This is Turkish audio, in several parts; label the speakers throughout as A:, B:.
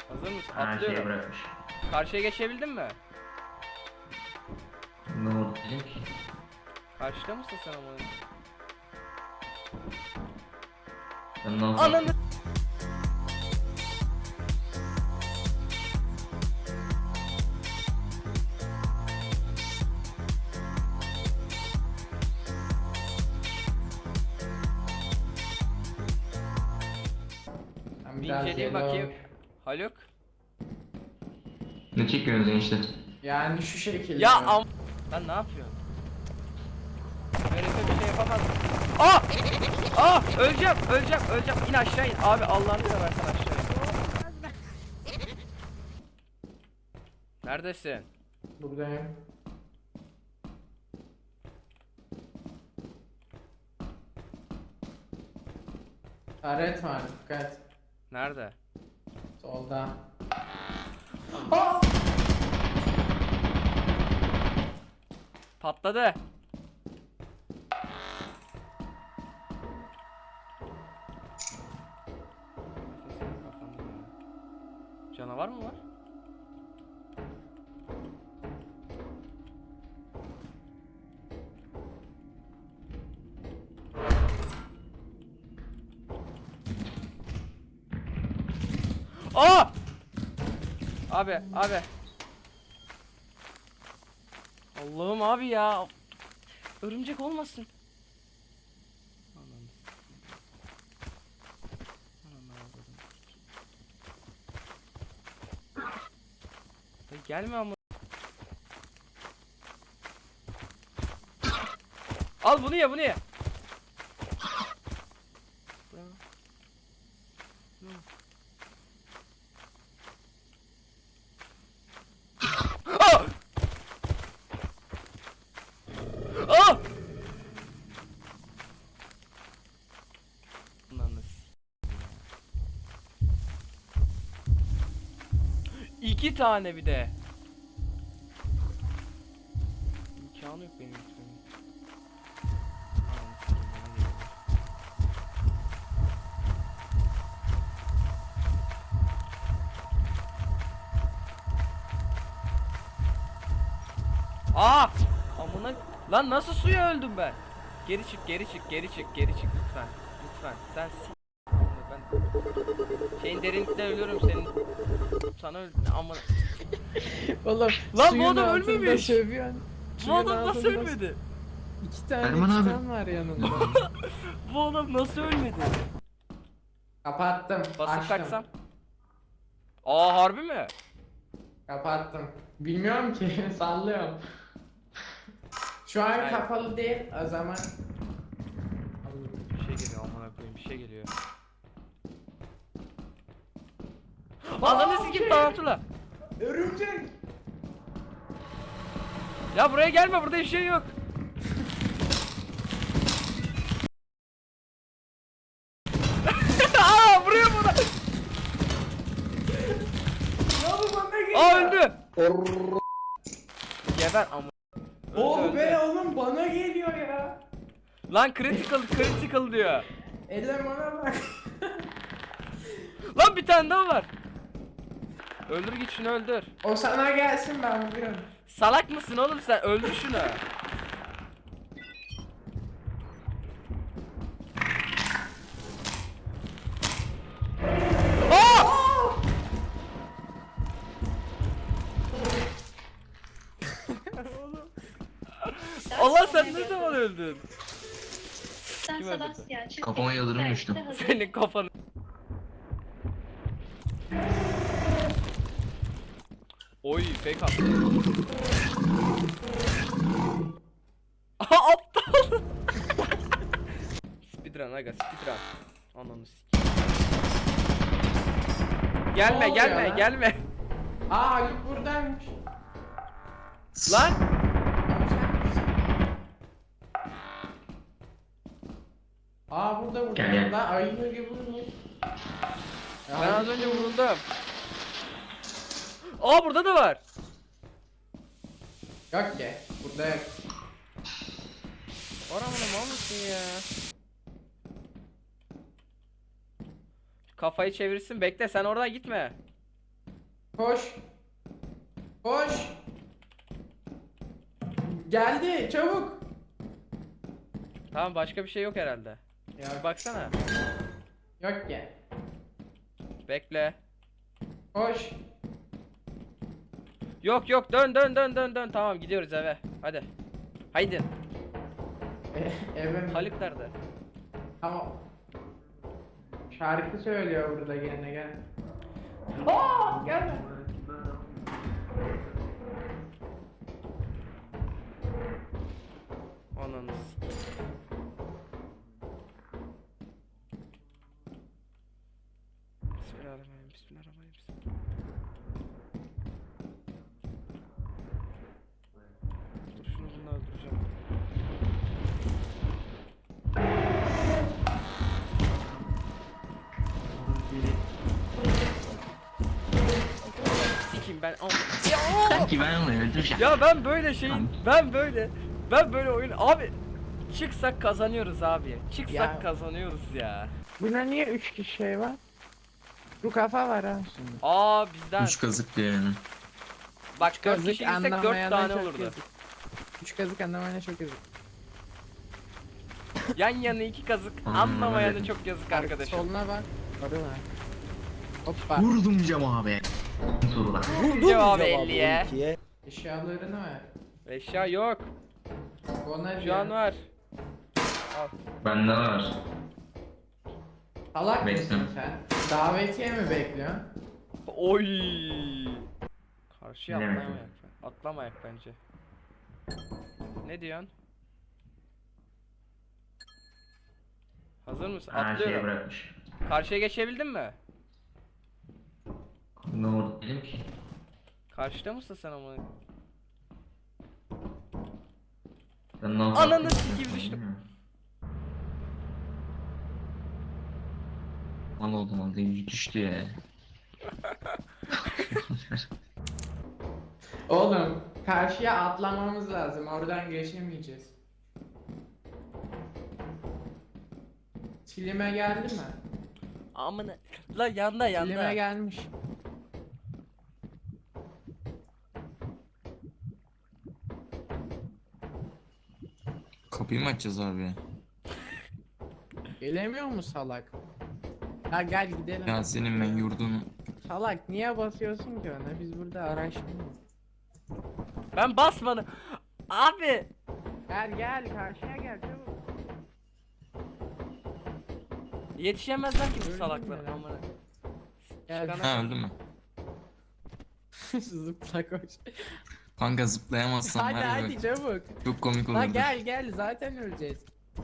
A: Hazır mısın?
B: Her şeyi
A: Atlıyorum.
B: bırakmış.
A: Karşıya geçebildin mi?
B: Ne oldu diyecek?
A: Karşıda mısın sen ama?
B: Ben nasıl
A: Ananı.
C: Ben
A: Bir
C: biraz
A: inceleyeyim
C: yellow-
A: bakayım. Haluk.
B: Ne çekiyorsunuz enişte?
C: Yani şu şekilde.
A: Ya Lan ne yapıyorsun? Şerefe bir şey yapamaz. Aa! Aa! Öleceğim, öleceğim. İn aşağı in. Abi Allah'ını seversen aşağı in. Neredesin?
C: Buradayım. Taret var, dikkat.
A: Nerede?
C: Solda. Aa!
A: Patladı. Canavar mı var? Aa! Abi. Allah'ım abi ya. Örümcek olmasın. Ananı gelme ama. Al bunu ye. Aa! Aa! İki tane bir de. İmkanı yok benim için. Aa! Amına lan nasıl suya öldüm ben? Geri çık lütfen. Sen ben şeyin derinlikte ölüyorum senin. Sana öldüm ama
C: Oğlum,
A: lan bu
C: suyun
A: adam
C: altında
A: ölmemiş.
C: sövüyorsun.
A: Bu
C: Suyun
A: adam nasıl
C: altında-
A: ölmedi?
C: İki tane
B: Erman abi.
C: titan var yanında.
A: Bu adam nasıl ölmedi?
C: Kapattım.
A: Basıp
C: Açtım.
A: kaçsam. Aa harbi mi?
C: Kapattım. Bilmiyorum ki, sallıyorum. Şu an
A: Hayır.
C: kapalı değil, o zaman.
A: Bir şey geliyor amına koyayım bir şey geliyor. Ananı sikeyim tarantula.
C: Örümcek.
A: Ya buraya gelme burada bir şey yok. Aa vuruyor bana.
C: Ya bu bana geliyor.
A: Aa öldü. Geber ama.
C: Oh be oğlum, bana geliyor ya.
A: Lan critical diyor.
C: Elemana bak.
A: Lan bir tane daha var. Öldür git şunu öldür.
C: O sana gelsin, ben vuruyorum.
A: Salak mısın oğlum sen? Öldür şunu. Aa! Allah sen ne zaman öldün?
D: Sen
A: Kim öldürdü?
D: Sebastian çık.
B: Kafama yıldırım
D: Belki
B: düştü.
D: de hazır.
A: Senin kafanı. Oy fake attı. Aha aptal. Speedrun aga speedrun. Ananı sikeyim. Gelme
C: Ne oluyor lan?
A: gelme.
C: Aa, Haluk buradaymış.
A: Lan
C: Aa, burada
B: Gel, gel.
C: Lan ayı gibi vurmuş. Ya
A: ben az
C: Haluk
A: önce
C: vurmuş.
A: vuruldum. Aa burada da var.
C: Yok ki. Burada yok.
A: Oramını mal mısın ya? Kafayı çevirsin bekle sen oradan gitme.
C: Koş. Koş. Geldi çabuk.
A: Tamam, başka bir şey yok herhalde.
C: Ya
A: Bir baksana.
C: yok ya.
A: Bekle.
C: Koş.
A: Yok yok, dön. Tamam, gidiyoruz eve. Hadi. Haydi.
C: Eve mi?
A: Haluk nerede?
C: Tamam. Şarkı söylüyor burada gene gel. Gelme.
A: Ananız. Bismillahirrahmanirrahim. Dur, şunu bununla öldüreceğim. Sikeyim ben.
B: Sanki ben onu öldüreceğim.
A: Ya ben böyle oyun abi, çıksak kazanıyoruz abi. Çıksak
C: Ya.
A: kazanıyoruz ya.
C: Buna niye 3 kişi şey var? Bu kafa var ha şimdi.
A: Aa, bizden.
B: 3 kazık diyor yani.
A: Bak 4
C: Kazık
A: kişi gitsek 4
C: anlamayana
A: tane
C: çok
A: olurdu.
C: yazık. 3 kazık anlamayana çok yazık.
A: Yan yana 2 kazık
B: Anladım,
A: anlamayana
B: öyle.
A: çok yazık arkadaşım.
C: Soluna bak. Orada var. Hoppa.
B: Vurdum cam abi. Sorular.
A: Cevabı 50'ye.
C: Eşyalarını ver.
A: Eşya yok.
C: Ona
A: Şu an var.
B: Bende var.
C: Salak mısın
B: Bekliyorum.
C: sen? Davetiye mi bekliyorsun?
A: Oy. Karşıya
B: Ne
A: atlamayak.
B: demek?
A: Atlamayak bence. Ne diyorsun? Hazır mısın?
B: Her şeyi
A: Atlıyorum.
B: bırakmış.
A: Karşıya geçebildin mi?
B: Ne oldu dedim ki?
A: Karşıda mısın sen ama?
B: Sen ne yapıyorsun?
A: Ananı sikeyim, düştüm.
B: Mal oldum oldu. Düştü ya.
C: Oğlum karşıya atlamamız lazım. Oradan geçemeyeceğiz. Çilime geldi mi?
A: Amına. La yanda
C: Çilime gelmiş.
B: Kapıyı mı açacağız abi?
C: Gelemiyor mu salak? Ya gel gidelim.
B: Ya senin ben yurdunu...
C: Salak niye basıyorsun ki ona? Biz burada araştırıyoruz.
A: Ben basmadım. Abi.
C: Gel karşıya gel çabuk.
A: Yetişemezler ki bu
C: Öldüm
A: salaklar.
C: ben.
A: Amına.
C: Gel.
A: Çıkana-
B: Ha öldü mü?
C: Zıpla koş.
B: Kanka zıplayamazsam
C: Hadi
B: her
C: hadi çabuk.
B: çok komik
C: La
B: olurdu.
C: gel zaten öleceğiz.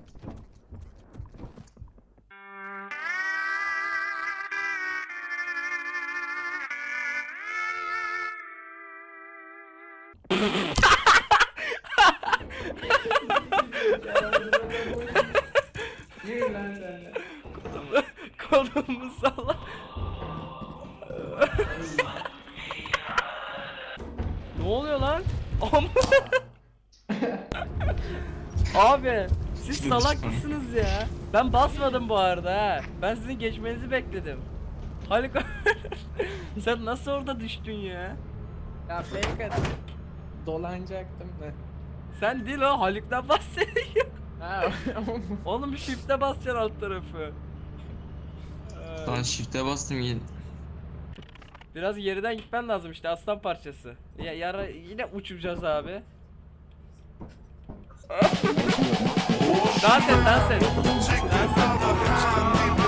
C: Yürü lan sen de.
A: Kolumu salla. Ne oluyor lan? Abi siz salak mısınız ya? Ben basmadım bu arada ha. Ben sizin geçmenizi bekledim. Haluk sen nasıl orada düştün ya?
C: Ya fake at. Dolanacaktım da.
A: Sen değil o, Haluk'tan bahsediyor.
C: Ha,
A: Oğlum shift'e basacaksın alt tarafı.
B: Lan shift'e bastım yine.
A: Biraz geriden gitmen lazım işte, aslan parçası. Ya yara yine uçuracağız abi. Dans et.